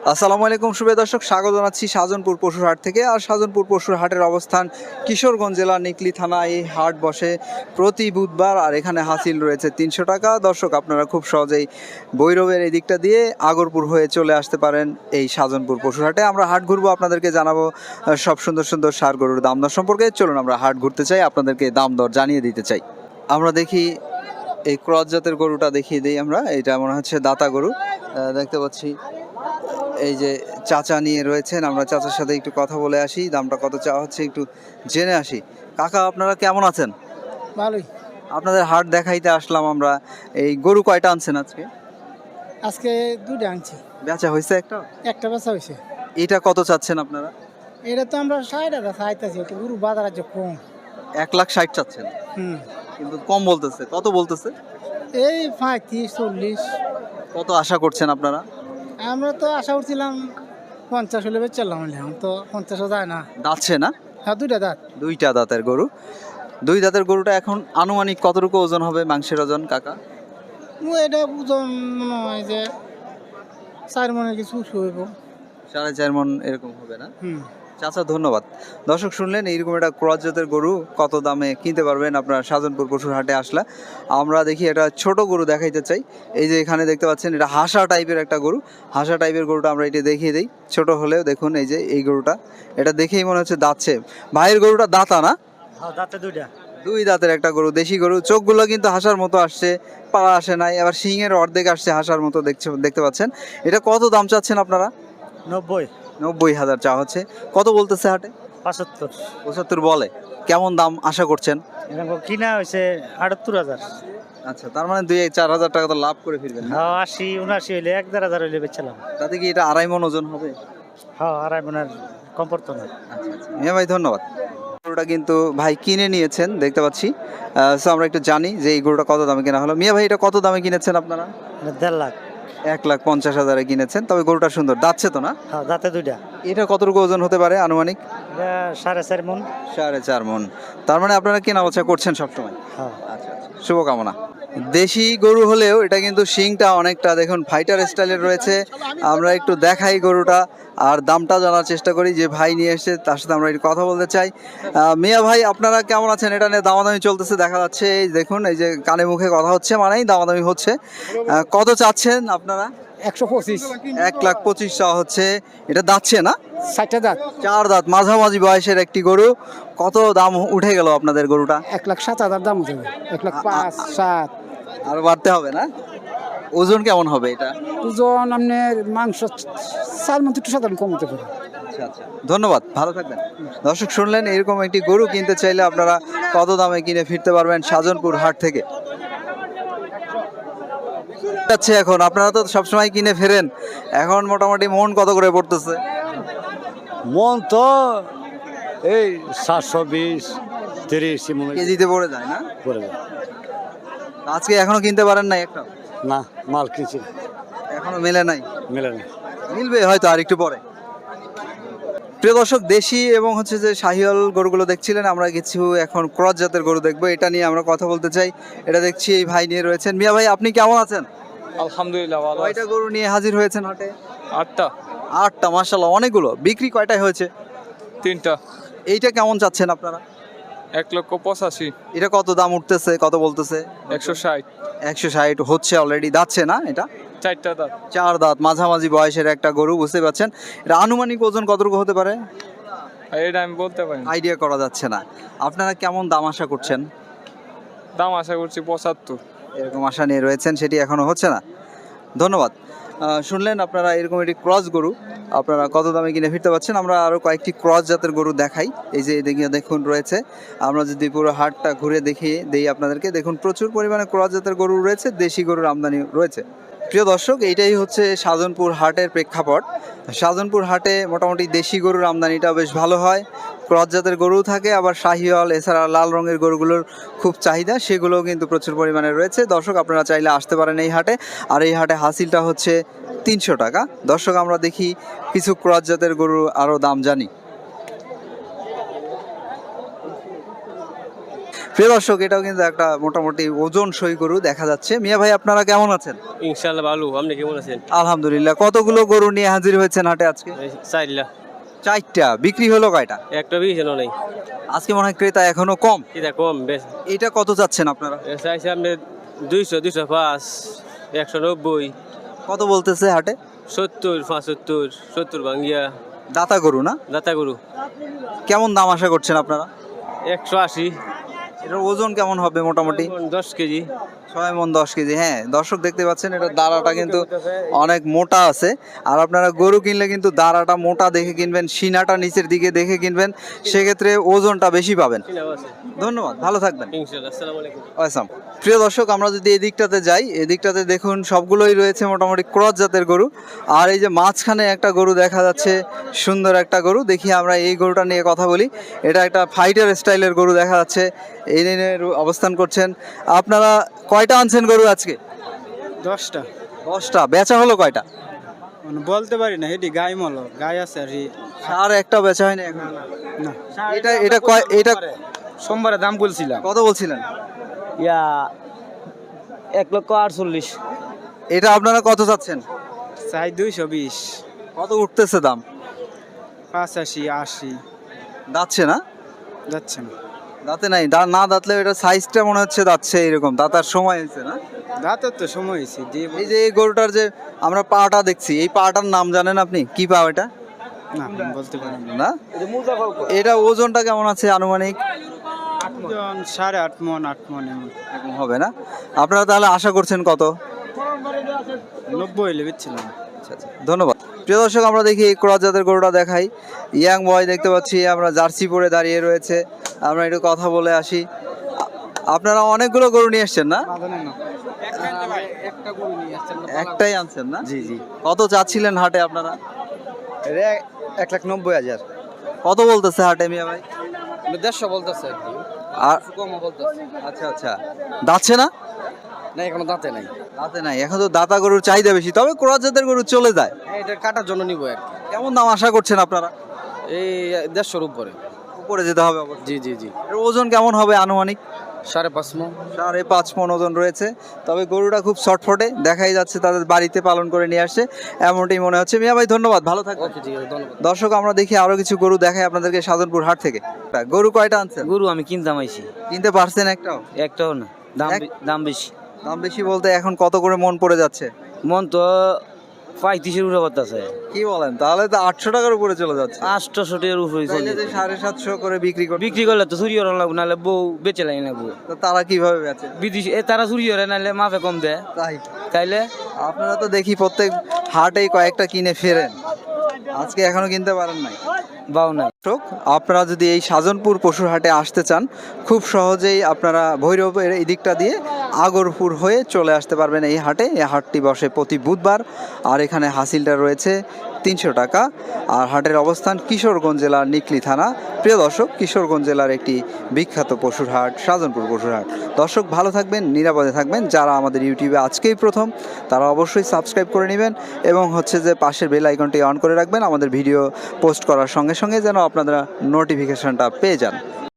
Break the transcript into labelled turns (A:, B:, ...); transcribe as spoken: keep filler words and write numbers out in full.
A: আসসালামু আলাইকুম শুভেচ্ছা দর্শক, স্বাগত জানাচ্ছি শাহজাহানপুর পশুর হাট থেকে। আর শাহজাহানপুর পশুর হাটের অবস্থান কিশোরগঞ্জ জেলার নিকলি থানা। এই হাট বসে প্রতি বুধবার, আর এখানে হাসিল রয়েছে তিনশো টাকা। দর্শক, আপনারা খুব সহজেই ভৈরবের এই দিকটা দিয়ে আগরপুর হয়ে চলে আসতে পারেন এই শাহজাহানপুর পশুর হাটে। আমরা হাট ঘুরবো, আপনাদেরকে জানাবো আহ, সব সুন্দর সুন্দর ষাঁড় গরুর দাম দর সম্পর্কে। চলুন আমরা হাট ঘুরতে চাই, আপনাদেরকে দাম দর জানিয়ে দিতে চাই। আমরা দেখি এই ক্রস জাতের গরুটা দেখিয়ে দিই আমরা। এটা মনে হচ্ছে দাতা গরু, আহ, দেখতে পাচ্ছি। এই যে চাচা নিয়ে রয়েছেন, আমরা চাচার সাথে একটু কথা বলে আসি, দামটা কত চাওয়া হচ্ছে একটু জেনে আসি। কাকা, আপনারা কেমন আছেন?
B: ভালোই।
A: আপনাদের হাট দেখাইতে আসলাম আমরা। এই গরু কয়টা আনছেন আজকে?
B: আজকে দুইটা আনছি,
A: বেচা হয়েছে একটা?
B: একটা বেচা হয়েছে।
A: এটা কত চাচ্ছেন আপনারা?
B: এটা তো আমরা ষাট হাজার চাইতেছি, একটু গরু বাজার আছে কম।
A: এক লাখ ষাট চাচ্ছেন,
B: হুম,
A: কিন্তু কম বলতেছে। কত বলতেছে?
B: এই পঁয়ত্রিশ চল্লিশ।
A: কত আশা করছেন আপনারা?
B: আমরা তো আশা করছিলাম পঞ্চাশ হলে বেচলাম, এখন তো পঞ্চাশও যায় না।
A: দাঁতছে না?
B: হ্যাঁ, দুইটা দাঁত।
A: দুইটা দাঁতের গরু। দুই দাঁতের গরুটা এখন আনুমানিক কতটুকু ওজন হবে, মাংসের ওজন কাকা?
B: ও এটা ওজন মনে হয় যে চার মনের কিছু উঁচু হইব।
A: সাড়ে চার মন এরকম হবে না?
B: হুম।
A: চাচা ধন্যবাদ। দর্শক, শুনলেন এইরকম একটা ক্রস জাতের গরু কত দামে কিনতে পারবেন আপনারা শাহজাহানপুর পশুর হাটে আসলে। আমরা দেখি এটা ছোট গরু দেখাইতে চাই। এই যে এখানে দেখতে পাচ্ছেন, এটা হাসা টাইপের একটা গরু। হাসা টাইপের গরুটা আমরা এটা দেখিয়ে দিই। ছোট হলেও দেখুন, এই যে এই গরুটা, এটা দেখেই মনে হচ্ছে দাঁতছে। ভাইয়ের গরুটা দাঁতা না?
B: হ্যাঁ, দাঁতে দুইটা।
A: দুই দাঁতের একটা গরু, দেশি গরু। চোখগুলো কিন্তু হাসার মতো আসছে, পা আসে নাই, আবার শিংয়ের অর্ধেক আসছে হাসার মতো দেখছে দেখতে পাচ্ছেন। এটা কত দাম চাচ্ছেন আপনারা?
B: নব্বই।
A: নব্বই হাজার চা হচ্ছে। কত বলতেছে হাটে?
B: পঁচাত্তর।
A: পঁচাত্তর বলে। কেমন দাম আশা করছেন?
B: এরকম কিনা হয়েছে আটাত্তর হাজার।
A: আচ্ছা, তার মানে দুই চার হাজার টাকা তো লাভ করে ফিরবেন না?
B: হ্যাঁ, আশি উনআশি হইলে এক দেড় হাজার হইলে বেচলাম।
A: তাতে কি এটা আড়াই মন ওজন হবে?
B: হ্যাঁ, আড়াই মনের কম পড়তো না।
A: আচ্ছা আচ্ছা, মিয়া ভাই ধন্যবাদ। গরুটা কিন্তু ভাই কিনে নিয়েছেন দেখতে পাচ্ছি। সো আমরা একটু জানি যে এই গরুটা কত দামে কেনা হলো। মিয়া ভাই, এটা কত দামে কিনেছেন আপনারা?
B: দেড় লাখ।
A: এক লাখ পঞ্চাশ হাজারে কিনেছেন। তবে গরুটা সুন্দর, দাঁতছে তো না?
B: হ্যাঁ, দাঁতে দুইটা।
A: এটা কতটুকু ওজন হতে পারে আনুমানিক?
B: এটা সাড়ে চার মন।
A: সাড়ে চার মন। তার মানে আপনারা কেনা বেচা করছেন সবসময়?
B: হ্যাঁ।
A: আচ্ছা আচ্ছা, শুভকামনা। দেশি গরু হলেও এটা কিন্তু শিংটা অনেকটা দেখুন ফাইটার স্টাইলের রয়েছে। আমরা একটু দেখাই গরুটা আর দামটা জানার চেষ্টা করি। যে ভাই নিয়ে এসেছে তার সাথে আমরা একটু কথা বলতে চাই। আহ, মিয়া ভাই, আপনারা কেমন আছেন? এটা নিয়ে দামাদামি চলতেছে দেখা যাচ্ছে। এই দেখুন, এই যে কানে মুখে কথা হচ্ছে, মানেই দামাদামি হচ্ছে। আহ, কত চাচ্ছেন আপনারা?
B: একশো পঁচিশ।
A: এক লাখ পঁচিশ চাওয়া হচ্ছে। এটা দাঁতছে না?
B: ষাটটা দাঁত।
A: চার দাঁত, মাঝামাঝি বয়সের একটি গরু। কত দাম উঠে গেল আপনাদের গরুটা?
B: এক লাখ সাত হাজার দাম হতে হবে। এক লাখ পাঁচ সাত।
A: আর বাড়তে হবে না? ওজন কেমন হবে এটা?
B: ওজন আপনার মাংস চার মধ্যে একটু সাধারণ কম হতে পারে।
A: আচ্ছা আচ্ছা, ধন্যবাদ, ভালো থাকবেন। দর্শক, শুনলেন এরকম একটি গরু কিনতে চাইলে আপনারা কত দামে কিনে ফিরতে পারবেন শাহজাহানপুর হাট থেকে। আচ্ছা, এখন আপনারা তো সবসময় কিনে ফেরেন, এখন মোটামুটি মন কত করে পড়তেছে?
C: মন তো এই সাতশো বিশ তিরিশ
A: কেজিতে পড়ে যায় না?
C: করে যায়।
A: আজকে এখনো কিনতে পারেন নাই একটা?
C: না, মাল কিনছি না,
A: এখনো মেলে নাই?
C: মেলে না।
A: মিলবে হয়তো আর একটু পরে। প্রিয় দর্শক, দেশি এবং হচ্ছে যে শাহিওয়াল গরুগুলো দেখছিলেন, আমরা কিছু এখন ক্রস জাতের গরু দেখবো। এটা নিয়ে আমরা কথা বলতে চাই। এটা দেখছি এই ভাই নিয়ে রয়েছেন। মিয়া ভাই, আপনি কেমন আছেন?
D: আলহামদুলিল্লাহ ভালো আছি।
A: কয়টা গরু নিয়ে হাজির হয়েছেন হাটে?
D: আটটা।
A: আটটা, মাশাআল্লাহ, অনেকগুলো। বিক্রি কয়টায় হয়েছে?
D: তিনটা।
A: এইটা কেমন চাচ্ছেন আপনারা?
D: এক লক্ষ পঁচাশি।
A: এটা কত দাম উঠতেছে, কত বলতেছে?
D: একশো ষাট।
A: একশো ষাট হচ্ছে অলরেডি, দাঁতছে না এটা?
D: চারটা দাঁত।
A: চার দাঁত, মাঝামাঝি বয়সের একটা গরু, বুঝতে পারছেন। এটা আনুমানিক ওজন কতটুকু হতে পারে
D: আর এটা আমি বলতে পারি না।
A: আইডিয়া করা যাচ্ছে না। আপনারা কেমন দাম আশা করছেন?
D: দাম আশা করছি পঁচাত্তর।
A: এরকম আশা নিয়ে রয়েছেন, সেটি এখনো হচ্ছে না। ধন্যবাদ। আহ, শুনলেন আপনারা এরকম একটি ক্রস গরু আপনারা কত দামে কিনে ফিরতে পারছেন। আমরা আরও কয়েকটি ক্রস জাতের গরু দেখাই। এই যে এদিকে দেখুন রয়েছে। আমরা যদি পুরো হাটটা ঘুরে দেখিয়ে দেই আপনাদেরকে, দেখুন প্রচুর পরিমাণে ক্রস জাতের গরু রয়েছে, দেশি গরুর আমদানি রয়েছে। প্রিয় দর্শক, এইটাই হচ্ছে শাহজাহানপুর হাটের প্রেক্ষাপট। শাহজাহানপুর হাটে মোটামুটি দেশি গরুর আমদানিটা বেশ ভালো হয়, ক্রস জাতের গরু থাকে, আবার শাহিওয়াল এছাড়া লাল রঙের গরুগুলোর খুব চাহিদা, সেগুলোও কিন্তু প্রচুর পরিমাণে রয়েছে। দর্শক, আপনারা চাইলে আসতে পারেন এই হাটে। আর এই হাটে হাসিলটা হচ্ছে তিনশো টাকা। দর্শক, আমরা দেখি কিছু ক্রস জাতের গরুর আরও দাম জানি। প্রিয় দর্শক, এটাও কিন্তু একটা মোটামুটি ওজন সই গরু দেখা যাচ্ছে। মিয়া ভাই, আপনারা কেমন আছেন?
E: ইনশাল্লাহ ভালো, আপনি কেমন আছেন?
A: আলহামদুলিল্লাহ। কতগুলো গরু নিয়ে হাজির হয়েছেন হাটে আজকে?
E: চাইলা
A: চারটা। বিক্রি হলো কয়টা?
E: একটা বেশি নাই,
A: আজকে মনে হয় ক্রেতা এখনো কম।
E: এটা কম বেশ।
A: এটা কত চাচ্ছেন আপনারা?
E: চাইছি আপনি দুইশো, দুইশো পাঁচ, একশো নব্বই,
A: কত বলতেছে হাটে?
E: সত্তর, পঁচাত্তর, সত্তর ভাঙ্গিয়া।
A: দাতা গরু না?
E: দাতা গরু
A: কেমন দাম আশা করছেন আপনারা?
E: একশো আশি।
A: এটার ওজন কেমন হবে মোটামুটি?
E: দশ কেজি।
A: ছয় মন দশ কেজি। হ্যাঁ দর্শক, দেখতে পাচ্ছেন এটা দাঁড়াটা কিন্তু অনেক মোটা আছে। আর আপনারা গরু কিনলে কিন্তু দাঁড়াটা মোটা দেখে কিনবেন, সিনাটা নিচের দিকে দেখে কিনবেন, সেক্ষেত্রে ওজনটা বেশি পাবেন। ধন্যবাদ, ভালো থাকবেন।
E: ইনশাল্লাহ, আসসালামু আলাইকুম।
A: আসাম। প্রিয় দর্শক, আমরা যদি এদিকটাতে যাই, এদিকটাতে দেখুন সবগুলোই রয়েছে মোটামুটি ক্রস জাতের গরু। আর এই যে মাঝখানে একটা গরু দেখা যাচ্ছে, সুন্দর একটা গরু। দেখি আমরা এই গরুটা নিয়ে কথা বলি। এটা একটা ফাইটার স্টাইলের গরু দেখা যাচ্ছে, এই নিয়ে অবস্থান করছেন। আপনারা কয়টা আনছেন গরু আজকে?
B: দশটা।
A: দশটা। বেচা হলো কয়টা?
B: মানে বলতে পারি না, এটি গায়ে মল গায়ে আছে আর কি।
A: আর একটা বেচা হয়নি এখন?
B: না,
A: এটা এটা কয় এটা
B: সোমবারে দাম বলছিলাম
A: কত বলছিলেন?
E: ইয়া এক লক্ষ আটচল্লিশ।
A: এটা আপনারা কত চাচ্ছেন?
B: চাই দুইশো বিশ।
A: কত উঠতেছে দাম?
B: পঁচাশি, আশি।
A: দাচ্ছে না?
B: যাচ্ছে না,
A: দাঁতে নাই। দা না দাঁতলে এটা সাইজটা মনে হচ্ছে দাচ্ছে এরকম। দাঁতার সময় হয়েছে না?
B: রাতের তো সময় হয়েছে দিয়ে
A: এই যে এই গরুটার যে আমরা পাটা দেখছি, এই পাটার নাম জানেন আপনি? কি পা এটা?
B: না বলতে পারি না।
A: না, এটা ওজনটা কেমন আছে আনুমানিক?
B: জন সাড়ে আট মন, আট মন এমন
A: এরকম হবে না? আপনারা তাহলে আশা করছেন কত?
B: নব্বই হলে বেচছিলাম।
A: আচ্ছা আচ্ছা, ধন্যবাদ। প্রিয় দর্শক, আমরা দেখি এই ক্রস জাতের গরুটা দেখাই। ইয়াং বয় দেখতে পাচ্ছি, আমরা জার্সি পরে দাঁড়িয়ে রয়েছে। আমরা একটু কথা বলে আসি। আ- আপনারা অনেকগুলো গরু নিয়ে এসছেন না? একটাই আনছেন না?
C: জি জি।
A: কত চাচ্ছিলেন হাটে আপনারা?
C: এক লাখ নব্বই হাজার।
A: কত বলতেছে হাটে মিয়া ভাই?
C: দেড়শো বলতেছে।
A: আর
C: কম বলতেছে।
A: আচ্ছা আচ্ছা, দাচ্ছে না?
C: না, এখনো দাঁতে নাই।
A: দাঁতে নাই। এখন তো দাতা গরুর চাহিদা বেশি, তবে ক্রস জাতের গরু চলে যায়।
C: এটা কাটার জন্য নিবো আর কি।
A: কেমন দাম আশা করছেন আপনারা?
C: এই দেড়শোর উপরে।
A: উপরে যেতে হবে অবশ্যই।
C: জি জি জি।
A: এর ওজন কেমন হবে আনুমানিক?
C: সাড়ে পাঁচ মন।
A: সাড়ে পাঁচ মন ওজন রয়েছে। তবে গরুটা খুব শর্টফটে, দেখাই যাচ্ছে তাদের বাড়িতে পালন করে নিয়ে আসছে, এমনটাই মনে হচ্ছে। মিয়া ভাই ধন্যবাদ, ভালো থাকবেন।
C: ওকে, ঠিক আছে, ধন্যবাদ।
A: দর্শক, আমরা দেখি আরো কিছু গরু দেখাই আপনাদেরকে সাধনপুর হাট থেকে। গরু কয়টা আনছেন?
E: গরু আমি কিনতাম আইছি,
A: কিনতে পারছেন একটাও?
E: একটাও না। দাম
A: এক-
E: বে- দাম বেশি।
A: দাম বেশি বলতে এখন কত করে মন পড়ে যাচ্ছে?
E: মন তো পঁয়ত্রিশের উপরে করতেছে,
A: কি বলেন, তাহলে তো আটশো টাকার উপরে চলে যাচ্ছে।
E: আটশো টিয়ার উপরে
A: তাইলে যে সাড়ে সাতশো করে বিক্রি করতে,
E: বিক্রি করলে তো চুরি করা লাগবো, নাহলে বউ বেচে লাগে লাগবো।
A: তো তারা কিভাবে বেচে?
E: বিদেশি এ তারা চুরি করে, নাহলে মাফে কম দেয়।
A: তাই
E: তাইলে
A: আপনারা তো দেখি প্রত্যেক হাটেই কয়েকটা কিনে ফেরেন, আজকে এখনো কিনতে পারেন নাই।
E: বাউ না।
A: দর্শক, আপনারা যদি এই সাজনপুর পশুর হাটে আসতে চান, খুব সহজেই আপনারা ভৈরবের এই দিকটা দিয়ে আগরপুর হয়ে চলে আসতে পারবেন এই হাটে। এই হাটটি বসে প্রতি বুধবার। আর এখানে হাসিলটা রয়েছে তিনশো টাকা। আর হাটের অবস্থান কিশোরগঞ্জ জেলার নিকলি থানা। প্রিয় দর্শক, কিশোরগঞ্জ জেলার একটি বিখ্যাত পশুর হাট সাজনপুর পশুর হাট। দর্শক ভালো থাকবেন, নিরাপদে থাকবেন। যারা আমাদের ইউটিউবে আজকেই প্রথম, তারা অবশ্যই সাবস্ক্রাইব করে নেবেন এবং হচ্ছে যে পাশের বেল আইকনটি অন করে রাখবেন, আমাদের ভিডিও পোস্ট করার সঙ্গে সঙ্গে যেন আপনারা নোটিফিকেশনটা পেয়ে যান।